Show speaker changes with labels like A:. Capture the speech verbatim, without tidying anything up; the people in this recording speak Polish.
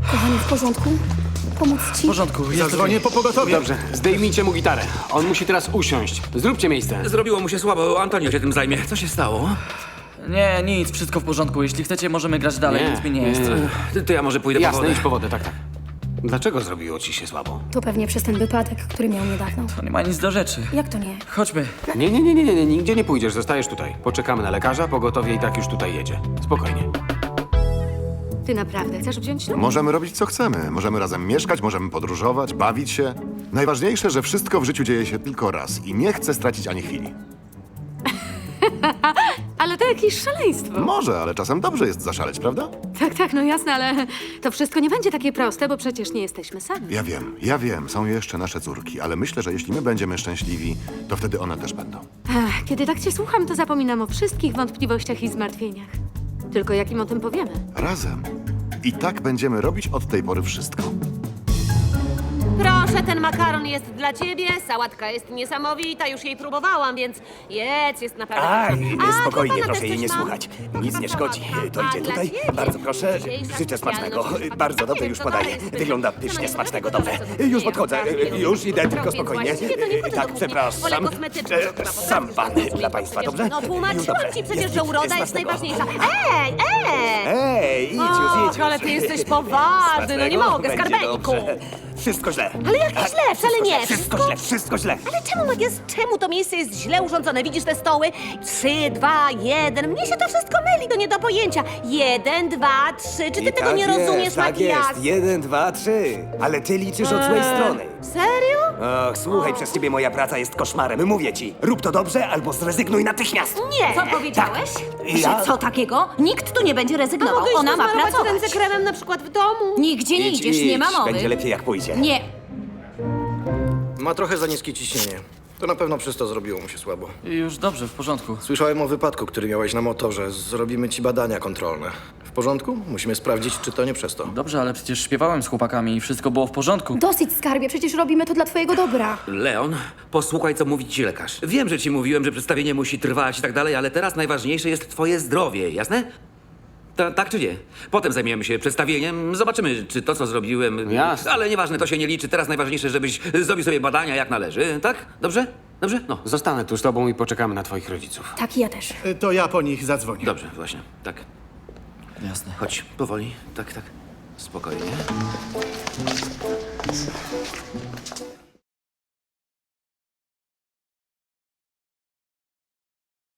A: Kochanie, w porządku? Pomóc
B: W
A: ci?
B: porządku, jest
C: Zadzwonię po pogotowie.
D: Dobrze, zdejmijcie mu gitarę. On musi teraz usiąść. Zróbcie miejsce.
E: Zrobiło mu się słabo, Antonio się tym zajmie. Co się stało?
B: Nie, nic, wszystko w porządku. Jeśli chcecie, możemy grać dalej,
D: Nie,
B: nic mi nie
D: nie,
B: jest.
D: nie.
E: Ty, to ja może pójdę po
D: Jasne,
E: wodę.
D: idź po wodę, tak, tak. Dlaczego zrobiło ci się słabo?
A: To pewnie przez ten wypadek, który miał niedawno.
B: To nie ma nic do rzeczy.
A: Jak to nie?
B: Chodźmy.
D: Nie, nie, nie, nie, nie, nie, nigdzie nie pójdziesz, zostajesz tutaj. Poczekamy na lekarza, pogotowie i tak już tutaj jedzie. Spokojnie.
F: Ty naprawdę chcesz wziąć ślub?
G: Możemy robić co chcemy. Możemy razem mieszkać, możemy podróżować, bawić się. Najważniejsze, że wszystko w życiu dzieje się tylko raz i nie chcę stracić ani chwili.
F: Ale to jakieś szaleństwo.
G: Może, ale czasem dobrze jest zaszaleć, prawda?
F: Tak, tak, no jasne, ale to wszystko nie będzie takie proste, bo przecież nie jesteśmy sami.
G: Ja wiem, ja wiem, są jeszcze nasze córki, ale myślę, że jeśli my będziemy szczęśliwi, to wtedy one też będą.
F: Ach, kiedy tak cię słucham, to zapominam o wszystkich wątpliwościach i zmartwieniach. Tylko jak im o tym powiemy?
G: Razem. I tak będziemy robić od tej pory wszystko.
H: Proszę, ten makaron jest dla ciebie, sałatka jest niesamowita, już jej próbowałam, więc jedz, jest naprawdę...
I: Aj,
H: A,
I: spokojnie,
H: dla pana
I: proszę
H: też
I: jej nie
H: coś mam.
I: słuchać. Nic nie szkodzi. To
H: A,
I: idzie
H: dla
I: tutaj.
H: ciebie.
I: Bardzo proszę.
H: Dzisiejsza
I: Życzę smacznego.
H: specjalność.
I: Bardzo
H: Nie
I: dobrze,
H: wiem,
I: już
H: co to
I: podaję.
H: jest.
I: Wygląda
H: Sama
I: pysznie,
H: nie
I: smacznego,
H: bardzo
I: dobrze.
H: dobrze.
I: Już
H: Nie,
I: podchodzę.
H: naprawdę
I: Już idę,
H: lubię.
I: tylko
H: Więc
I: spokojnie.
H: właściwie to nie chodzę do
I: Tak,
H: kuchni.
I: przepraszam.
H: Wolę kosmetyczne,
I: E,
H: to chyba
I: Sam pan
H: potrafisz
I: dla państwa,
H: przecież.
I: dobrze?
H: No
I: Już
H: tłumaczyłam
I: dobrze.
H: ci przecież,
I: Jest
H: że
I: git,
H: uroda jest
I: smacznego.
H: najważniejsza. Ej, ej!
I: Ej, idź już,
H: Och,
I: idź już.
H: ale ty jesteś poważny, no nie
I: Smacznego.
H: mogę,
I: Będzie
H: skarbeńku.
I: dobrze. Wszystko źle.
H: Ale jak źle, wcale nie.
I: Wszystko źle, wszystko źle.
H: Ale czemu tak jest? Czemu to miejsce jest źle urządzone? Widzisz te stoły? Trzy, dwa, jeden. Mnie się to wszystko myli, to nie do pojęcia. Jeden, dwa, trzy. Czy ty
I: I
H: tego
I: tak
H: nie
I: jest,
H: rozumiesz,
I: tak
H: Makias?
I: jest. Jeden, dwa, trzy. Ale ty liczysz od złej strony.
H: Serio?
I: Och, słuchaj, przez ciebie moja praca jest koszmarem. Mówię ci, rób to dobrze albo zrezygnuj natychmiast.
H: Nie.
J: Co powiedziałeś?
I: Ja-
J: Że co takiego? Nikt tu nie będzie
H: A
J: rezygnował.
H: mogę iść
J: Ona ma
H: posmarować
J: pracować.
H: ręce kremem na przykład w domu?
J: Nigdzie nie
I: Idź,
J: idziesz, nie ma
I: idź.
J: mowy.
I: Będzie lepiej jak pójdzie.
J: Nie.
C: Ma trochę za niskie ciśnienie. To na pewno przez to zrobiło mu się słabo.
B: Już dobrze, w porządku.
C: Słyszałem o wypadku, który miałeś na motorze. Zrobimy ci badania kontrolne. W porządku? Musimy sprawdzić, czy to nie przez to.
B: Dobrze, ale przecież śpiewałem z chłopakami i wszystko było w porządku.
A: Dosyć, skarbie, przecież robimy to dla twojego dobra.
E: Leon, posłuchaj, co mówi ci lekarz. Wiem, że ci mówiłem, że przedstawienie musi trwać i tak dalej, ale teraz najważniejsze jest twoje zdrowie, jasne? Ta, tak czy nie? Potem zajmiemy się przedstawieniem, zobaczymy, czy to, co zrobiłem...
D: Jasne.
E: Ale nieważne, to się nie liczy. Teraz najważniejsze, żebyś zrobił sobie badania jak należy, tak? Dobrze? Dobrze? No,
D: Zostanę tu z tobą i poczekamy na twoich rodziców.
A: Tak, i ja też.
C: Y, To ja po nich zadzwonię.
E: dobrze, właśnie, tak.
B: Jasne.
E: Chodź, powoli, tak, tak. Spokojnie.